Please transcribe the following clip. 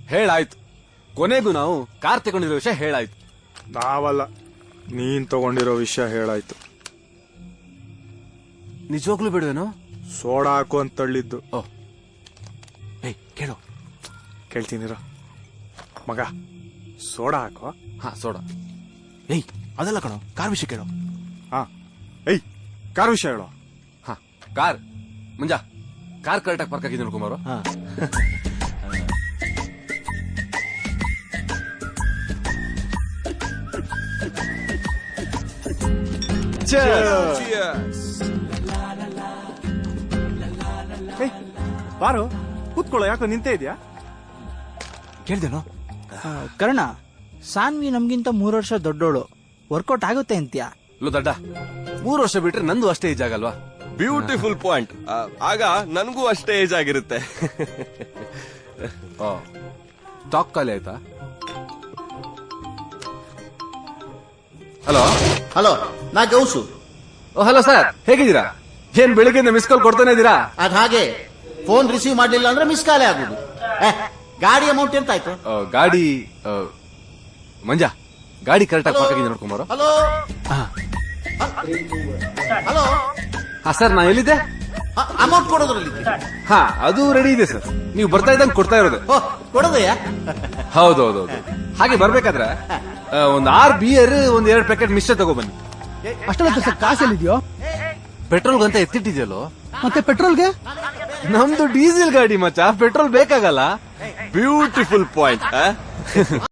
ಹೇಳಾಯ್ತು. ಕೊನೆಗೂ ನಾವು ಕಾರ್ ತಗೊಂಡಿರೋ ವಿಷಯ ಹೇಳಾಯ್ತು. ನಾವಲ್ಲ, ನೀನ್ ತಗೊಂಡಿರೋ ವಿಷಯ ಹೇಳಾಯ್ತು. ನಿಜವಾಗ್ಲೂ ಬಿಡುವೇನೋ? ಸೋಡಾ ಹಾಕು ಅಂತ ತಳ್ಳಿದ್ದು. ಓ, ಏಯ್ ಕೇಳು. ಕೇಳ್ತೀನಿರ ಮಗ, ಸೋಡಾ ಹಾಕೋ. ಹಾ, ಸೋಡಾ. ಏಯ್ ಅದೆಲ್ಲ ಕಣೋ, ಕಾರ್ ವಿಷಯ ಕೇಳೋ. ಹಾ, ಏಯ್ ಕಾರ್ ವಿಷಯ ಹೇಳೋ. ಹಾ, ಕಾರ್ ಮುಂಜಾ ಕಾರ್ ಕರೆಕ್ಟಾಗಿ ಪಾರ್ಕ್ ಆಗಿದ್ದೀನಿ ಕುಮಾರು. ಹಾ ಏಯ್ ಬಾರು, ಕೂತ್ಕೊಳ್ಳೋ. ಯಾಕೋ ನಿಂತೇ ಇದೆಯಾ? ಕೇಳ್ದೇನೋ? ಕರ್ಣ, ಸಾನ್ವಿ ನಮ್ಗಿಂತ 3 ವರ್ಷ ದೊಡ್ಡೋಳು, ವರ್ಕೌಟ್ ಆಗುತ್ತೆ ಅಂತ್ಯಾ? ಲೋ ದಡ್ಡ, 3 ವರ್ಷ ಬಿಟ್ರೆ ನಂದು ಅಷ್ಟೇ ಏಜ್ ಆಗಲ್ವಾ? Beautiful point. ಆಗ ನನಗೂ ಅಷ್ಟೇ ಏಜ್ ಆಗಿರುತ್ತೆ. ಸ್ಟಾಕ್ ಖಾಲಿ ಆಯ್ತಾ? ಹಲೋ ಹಲೋ, ನಾ ಗೌಸು. ಹಲೋ ಸರ್, ಹೇಗಿದ್ದೀರಾ? ಏನ್ ಬೆಳಿಗ್ಗೆಯಿಂದ ಮಿಸ್ ಕಾಲ್ ಕೊಡ್ತಾನೆ ಇದ್ದೀರಾ? ಅದ್ ಹಾಗೆ ಫೋನ್ ರಿಸೀವ್ ಮಾಡ್ಲಿಲ್ಲ ಅಂದ್ರೆ ಮಿಸ್ ಕಾಲೇ ಆಗುದು. ಗಾಡಿ ಅಮೌಂಟ್ ಎಂತ ಆಯ್ತು? ಗಾಡಿ ಮಂಜಾ, ಗಾಡಿ ಕರೆಕ್ಟಾಗಿ ಪಾರ್ಕ್ ಆಗಿದೆ ನೋಡ್ಕೊಂಬಾರೋ. ಹಲೋ ಹಲೋ, ಹಾ ಸರ್, ನಾ ಎಲ್ಲಿದ್ದೆ? ಅಮೌಂಟ್ ಕೊಡೋದ್ರಲ್ಲಿ. ಹಾ, ಅದು ರೆಡಿ ಇದೆ ಸರ್. ನೀವು ಬರ್ತಾ ಇದ್ದಂಗೆ ಕೊಡ್ತಾ ಇರೋದು. ಕೊಡೋದಯ್ಯ? ಹೌದೌದೌದು. ಹಾಗೆ ಬರ್ಬೇಕಾದ್ರೆ ಒಂದ್ 6 ಬಿಯರ್, 2 ಪ್ಯಾಕೆಟ್ ಮಿಶ್ರ ತಗೊಬನ್ನಿ. ಅಷ್ಟೊಂದು ಸರ್ ಕಾಸಲ್ಲಿದ್ಯೋ? ಪೆಟ್ರೋಲ್ಗಂತ ಎತ್ತಿಟ್ಟಿದ್ಯಲ್ಲೋ? ಮತ್ತೆ ಪೆಟ್ರೋಲ್ಗೆ? ನಮ್ದು ಡೀಸೆಲ್ ಗಾಡಿ ಮಚ್ಚ, ಪೆಟ್ರೋಲ್ ಬೇಕಾಗಲ್ಲ. Beautiful point.